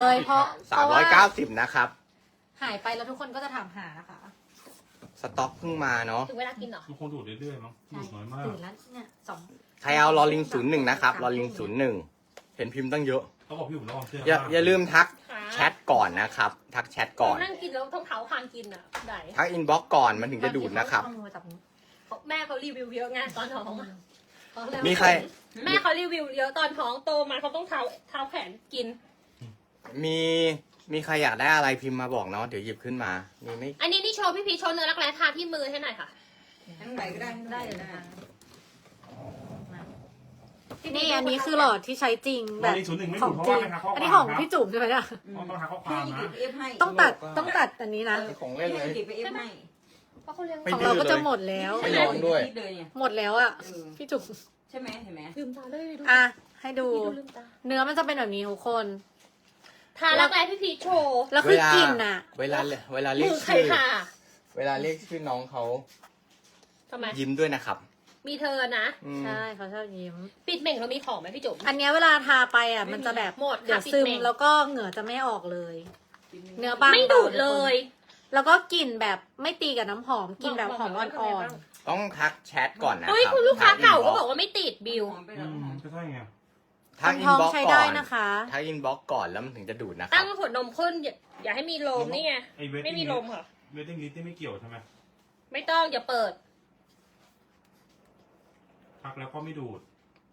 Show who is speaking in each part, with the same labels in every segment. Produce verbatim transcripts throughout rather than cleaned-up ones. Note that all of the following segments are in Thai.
Speaker 1: เลยเพราะ
Speaker 2: สามร้อยเก้าสิบนะครับ
Speaker 1: หายไปแล้วทุกคนก็จะถามหานะคะ
Speaker 2: สต็อกเพิ่งมาเนาะ
Speaker 3: ถึงเวลากินเหรอ
Speaker 4: มันคงดูดเรื่อยๆมั้งดูดน้อยมาก
Speaker 1: ตื่นแล้วเนี่ยสอง
Speaker 2: ใครเอาลอลิงศูนย์หนึ่งนะครับลอลิงศูนย์หนึ่งเห็นพิมพ์ตั้งเยอะ
Speaker 4: เขาบอกพี่ผมระวังเสื้อ
Speaker 2: อย่า
Speaker 4: ผ้
Speaker 2: อย่าลืมทักแชทก่อนนะครับ ทักแชทก่อน
Speaker 3: นั่งกินแล้วต้องเท้าคางกินอ่ะได้
Speaker 2: ทักอินบ็อกก่อนมันถึงจะดูดนะครับ
Speaker 1: เอามือจับมือ
Speaker 3: แม่เขารีวิวเยอะไงตอนท้องอะเขาเลย
Speaker 2: มีใคร
Speaker 3: แม่เขารีวิวเยอะตอนท้องโตมาเขาต้องเท้าเท้าแขนกิน
Speaker 2: มีมีใครอยากได้อะไรพิมพ์มาบอกเนาะเดี๋ยวหยิบขึ้นมามีไม่
Speaker 3: อันนี้นี่โชว์พี่พีชโชว์เนื้อรักแร้ทาที่มือให้หน่อยค่ะ
Speaker 5: ทั้งใบก็ได้ทั้งใบ
Speaker 1: ได้เลย
Speaker 5: ก็
Speaker 1: นะคะ
Speaker 5: ได้
Speaker 1: นี่อันนี้คือหลอดที่ใช้จริงแบบ
Speaker 4: ลอลิงศูนย์หนึ่งไม่
Speaker 1: ข
Speaker 4: ดู
Speaker 1: อง
Speaker 4: ดเพราะ
Speaker 1: จริ
Speaker 4: ว่าง ไม่ทักข้อ
Speaker 1: อัน
Speaker 4: ควา
Speaker 1: นี้
Speaker 4: ม
Speaker 1: ของ
Speaker 4: ครับ
Speaker 1: พี่จุ๋มใช่ไหมเนี่ย
Speaker 4: ต้องทักข้อค
Speaker 5: พี่
Speaker 4: วาม
Speaker 5: หยิ
Speaker 4: นะ
Speaker 5: บเอฟให้
Speaker 1: ต้องตัดต้องตัดอันนี้นะ
Speaker 2: มีของเล่นเลย
Speaker 5: พี่หยิบไปเอฟให้
Speaker 3: เพราะเขาเลี้ยง
Speaker 2: ไม่
Speaker 1: ของ
Speaker 2: ดื้
Speaker 1: เรา
Speaker 2: อ
Speaker 1: ก็
Speaker 2: เล
Speaker 1: จะ
Speaker 2: ย
Speaker 1: หมดแล้ว
Speaker 2: ไม่ร้อนด้วย
Speaker 5: เลยเนี่ย
Speaker 1: หมดแล้วอ่ะ
Speaker 5: เออ
Speaker 1: พี่จุ๋ม
Speaker 5: ใช่ไหมเห็นไหม
Speaker 3: ลืมตาเลยดู
Speaker 1: อ่ะให้ดู
Speaker 3: พี่ดูลืมตา
Speaker 1: เนื้อมันจะเป็นแบบนี้ทุกคน
Speaker 3: ทารักแร้พี่พีชโชว์
Speaker 1: แล้วคือกลิ่นอ่ะ
Speaker 2: เวลาเวลาเรีย
Speaker 3: มื
Speaker 2: ก
Speaker 3: อใคร
Speaker 2: ชื่อ
Speaker 3: ค่ะ
Speaker 2: เวลาเรียกชื่อน้องเขา
Speaker 3: ทำไม
Speaker 2: ยิ้มด้วยนะครับ
Speaker 3: มีเธอนะ
Speaker 2: อืม
Speaker 1: ใช่เขาชอบยิ้ม
Speaker 3: ปิดเหม่งเรามีของไหมพี่จุ๋ม
Speaker 1: อันเนี้ยเวลาทาไปอ่ะมันจะแบบ
Speaker 3: หมด
Speaker 1: เดี๋ยว
Speaker 3: ค่ะ
Speaker 1: ซึม
Speaker 3: ปิดเมง
Speaker 1: แล้วก็เหงื่อจะไม่ออกเลย เนื้อบาง
Speaker 3: ไม่ดูดเลย
Speaker 1: แล้วก็กลิ่นแบบไม่ตีกับน้ำหอมกลิ่นแบบหอมอ่อน
Speaker 2: ต้องทักแชทก่อนนะค
Speaker 3: เฮ้ย
Speaker 2: รับ
Speaker 3: คุณลูกค้าเก่าก็
Speaker 2: ทั
Speaker 3: บอกว่าไม่ติดบิว
Speaker 5: หอมไป
Speaker 4: อื
Speaker 5: แล้ว
Speaker 4: ม
Speaker 5: หอม
Speaker 4: ก็ใช่ไง
Speaker 1: ๆ
Speaker 2: ทักอิ
Speaker 1: ท้
Speaker 2: น
Speaker 1: อง
Speaker 2: บ็อก
Speaker 1: ใช้
Speaker 2: ก่
Speaker 1: ได้
Speaker 2: อน
Speaker 1: นะคะ
Speaker 2: ทักอินบ็อกก่อนแล้วมันถึงจะดูดนะค
Speaker 3: ตั้
Speaker 2: รับ
Speaker 3: งขวดนมข้นอย่าอย่าให้มีลมนี่ไง
Speaker 4: ไอ้เวท
Speaker 3: ไม่มีลมค่ะ
Speaker 4: เวทติ้งลิสต์ที่ไม่เกี่ยวใช่ไหม
Speaker 3: ไม่ต้องอย่าเปิด
Speaker 4: พักแล้วก็ไม่ดูด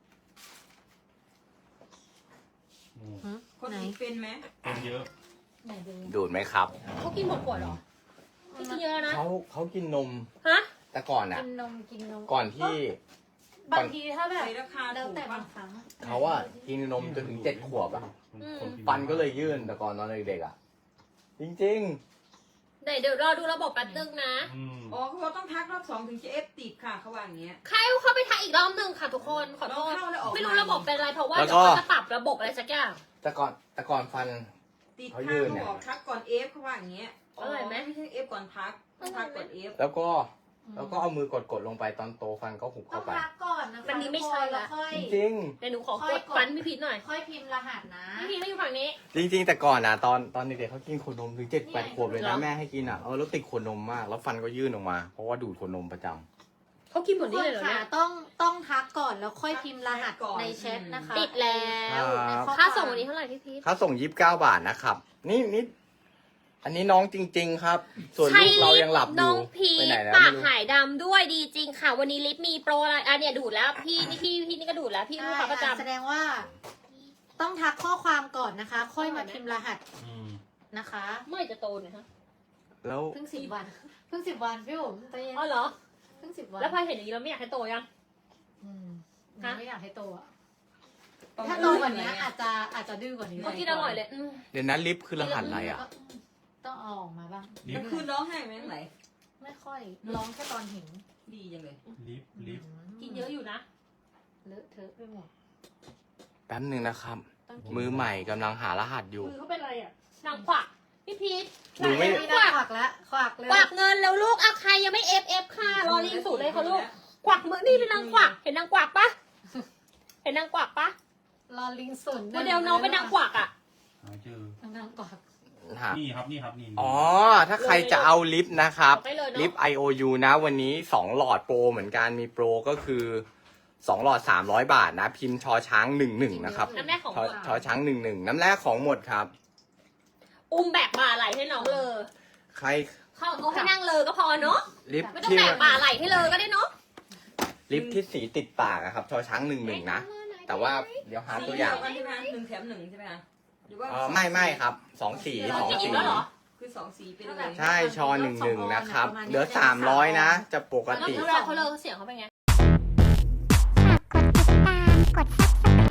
Speaker 4: อืม
Speaker 5: คน
Speaker 1: ไหน
Speaker 5: อีกเป็นไหม
Speaker 4: เป็นเยอะ
Speaker 1: ไหนดู
Speaker 2: ดูดไหมครับ
Speaker 3: เขากินหมดขวดเหรอไม่กินเยอะนะ
Speaker 2: เขาเขากินนม
Speaker 3: ฮะ
Speaker 2: แต่ก่อนอ่ะ
Speaker 1: กินนมกินนม
Speaker 2: ก่อนที่
Speaker 1: บางทีถ้าแบบ
Speaker 5: ในราคา
Speaker 1: แล้ว
Speaker 5: ถูก
Speaker 1: แต่
Speaker 5: ป่ะ
Speaker 1: บางครั้ง
Speaker 2: เขาอะกินนมจนถึงเจ็ดขวบอะ
Speaker 4: คนกิ
Speaker 2: ฟันก็เลยยื่นแต่ก่อนตอนเด็กๆอะจริง
Speaker 3: เดี๋ยวเดี๋ยวรอดูระบบแป๊บนึงนะ
Speaker 4: อืม
Speaker 5: อ๋อเขาบอกต้องทักรอบสองถึงจะเอฟติดค่ะเขาว่าอย่างเงี้ย
Speaker 3: ใครเอาเข้าไปทักอีกรอบนึงค่ะทุกคนขอโทษ
Speaker 5: เราเข้าแล้วออกมา
Speaker 3: ไม่รู้ระบบเป็นอะไรเพราะว่าเดี๋ยวเขาจะปรับระบบอะไรสักอย่าง
Speaker 2: ๆ แต่ก่อนแต่ก่อนฟัน
Speaker 5: ติด
Speaker 2: เขา
Speaker 5: ค่ะ
Speaker 2: ยื่น
Speaker 5: เขา
Speaker 2: เนี่ย
Speaker 5: บอกทักก่อนเอฟเขาว่าอย่างเงี้ย
Speaker 3: อร่อยไหม
Speaker 5: ไม่ใช่เอฟก่อนทักต้องทักก่อนเอฟ
Speaker 2: แล้วก็แล้วก็เอามือกดๆลงไปตอนโตฟันก็หุบ
Speaker 1: ต้อ
Speaker 2: เข้าง ไป
Speaker 1: พักก่อนนะคะ
Speaker 3: วันนี้ไม่ใช่ละ
Speaker 1: แล้วค่อย
Speaker 2: จริง
Speaker 3: เดี๋ยวหนูขอกดฟันพี่พีชหน่อย
Speaker 1: ค่อยพิมพ์รหัสนะ
Speaker 3: พี่พีชไม่อยู่ฝั่งนี้
Speaker 2: ๆ จริง ๆ แต่ก่อนอะตอนตอนเด็กๆเขากินขวดนมถึงเจ็ดแปดขวบเลย
Speaker 3: เหร
Speaker 2: นะ
Speaker 3: อ
Speaker 2: แม่ให้กินอะเออแล้วติดขวดนมมาก แล้วฟันก็ยื่นออกมา เพราะว่าดูดขวดนมประจำ
Speaker 3: เขากินหม
Speaker 1: ทุ
Speaker 3: ด
Speaker 1: ก
Speaker 3: นี่
Speaker 1: ค
Speaker 3: เล
Speaker 1: น
Speaker 3: ยเหรอ
Speaker 1: ค่ะ
Speaker 3: เนี่ย
Speaker 1: ต้องต้องทักก่อนแล้วค่อยพิมพ์รหัสในแชทนะคะ
Speaker 3: ติดแล้ว
Speaker 2: ครับ
Speaker 1: ในข้อ
Speaker 3: ค่า
Speaker 1: วม
Speaker 3: ส่งวันนี้เท่าไหร่พี่พีช
Speaker 2: ค่าส่งยี่สิบเก้าบาทนะครับ นี่นี่อันนี้น้องจริง ๆ ครับ ส่วน
Speaker 3: ใช่
Speaker 2: ลูกเรายังหลับอ
Speaker 3: น้
Speaker 2: ยู่
Speaker 3: องพี
Speaker 2: ไปไหนแล้ว
Speaker 3: ปา
Speaker 2: ไม่
Speaker 3: ก
Speaker 2: รู้
Speaker 3: หายดำด้วยดีจริงค่ะ วันนี้ลิฟต์มีโปรอะไรอ่ะเนี่ยดูดแล้วพี่นี่พี่พี่นี่ก็ดูดแล้วพี่ลูกค้าประจำ
Speaker 1: แสดงว่า ต้องทักข้อความก่อนนะคะ ค่อยมาพิมพ์รหัส
Speaker 4: อืม
Speaker 1: นะคะ
Speaker 3: เมื่อไหร่จะโตเนี่ยฮะ
Speaker 2: แล้ว
Speaker 1: เพิ่งสิบวันเพิ่งสิบวันพี่ผมใจเย็น
Speaker 3: อ๋อเหรอ
Speaker 1: เพิ่งสิบวัน
Speaker 3: แล้วพอเห็นอย่างนี้เราไม่อยากให้โตยัง
Speaker 1: อืม
Speaker 3: ฮะ
Speaker 1: ไม่อยากให้โตอะถ้าโตกว่านี้อาจจะอาจจะดื้อกว่านี้
Speaker 3: เมื่อกี้อร่อยเลยอืม
Speaker 2: เดี๋ยวนั้นลิฟต์คือรหัสอะไรอะ
Speaker 1: ต้องเอาออกมาบ้าง
Speaker 4: ลิ
Speaker 5: มัน
Speaker 4: ฟต์
Speaker 5: คือน้องให้ไหมไหน
Speaker 1: ไม่ค่อยร้องแค่ตอนเห็น
Speaker 5: ดีจังเลย
Speaker 4: ลิฟต์ลิฟต์
Speaker 3: กินเยอะอยู่นะ
Speaker 1: เลอะเทอะไปหมด
Speaker 2: แป๊บหนึ่งนะครับ
Speaker 1: ต้องกิน
Speaker 2: มือใหม่กำลังหารหัสอยู่
Speaker 3: มือเขาเป็นอะไรอ่ะนางขวักพี่พีช
Speaker 2: หนูไม่
Speaker 1: ไม่ได้ขวักแล้วขวักเลย
Speaker 3: กวักเงินแล้วลูกอ่ะใครยังไม่เอฟเอฟค่ะรอรีสูตรเลยค่ะลูกกวักมือนี่เป็นนางขวักเห็นนางกวักปะเห็นนางกวักปะ
Speaker 1: รอลิงสุน
Speaker 3: โมเดลน้องเป็นนางกวักอ่ะ
Speaker 4: หาเจอน
Speaker 1: างกวัก
Speaker 2: ฮะ
Speaker 4: นี่ครับนี่ครับนี่
Speaker 2: อ๋อ ถ้าใครจะเอาลิฟต์นะครับ
Speaker 3: บอกได้เลยเนอะ
Speaker 2: ลิฟต์ ไอ โอ ยู นะ วันนี้สองหลอดโปรเหมือนกัน มีโปรก็คือสองหลอดสามร้อยบาทนะ พิมพ์ชอช้างหนึ่งหนึ่งนะครับ
Speaker 3: น้ำแรกของ
Speaker 2: ชอ
Speaker 3: หมด
Speaker 2: ชอช้างหนึ่งหนึ่งน้ำแรกของหมดครับ
Speaker 3: อุ้มแบกบ่าไหลให้น้องเลย
Speaker 2: ใคร
Speaker 3: เขาเขาให้นั่งเลยก็พอเนาะ
Speaker 2: ลิฟต์
Speaker 3: ไม่ต้อง
Speaker 2: ที่
Speaker 3: แบกบ่าไหลให้เลยก็ได้เนาะ
Speaker 2: ลิฟต์ที่สีติดปากอะครับ ชอช้างหนึ่งหนึ่งนะ แต่ว่าเดี๋ยวหาตัวอย่าง
Speaker 5: สีเดีกันใช่ไหมคะหนึ่งแถมหนึ่งใช่ไหมคะหรือว่า
Speaker 2: เออไม่ไม่ครับสองสีสอง
Speaker 3: จะกิน
Speaker 2: สี
Speaker 3: แล้วเหรอ
Speaker 5: คือสองสีไปเลย
Speaker 2: ใช่ชอหนึ่งหนึ่งนะครับ เหลือสามร้อยนะ จะปก
Speaker 3: แล้ว
Speaker 2: ติ
Speaker 3: เวลาเขาเลยเสียงเขาเป็นไง
Speaker 6: ฝากกดติดตามกดซับสไคร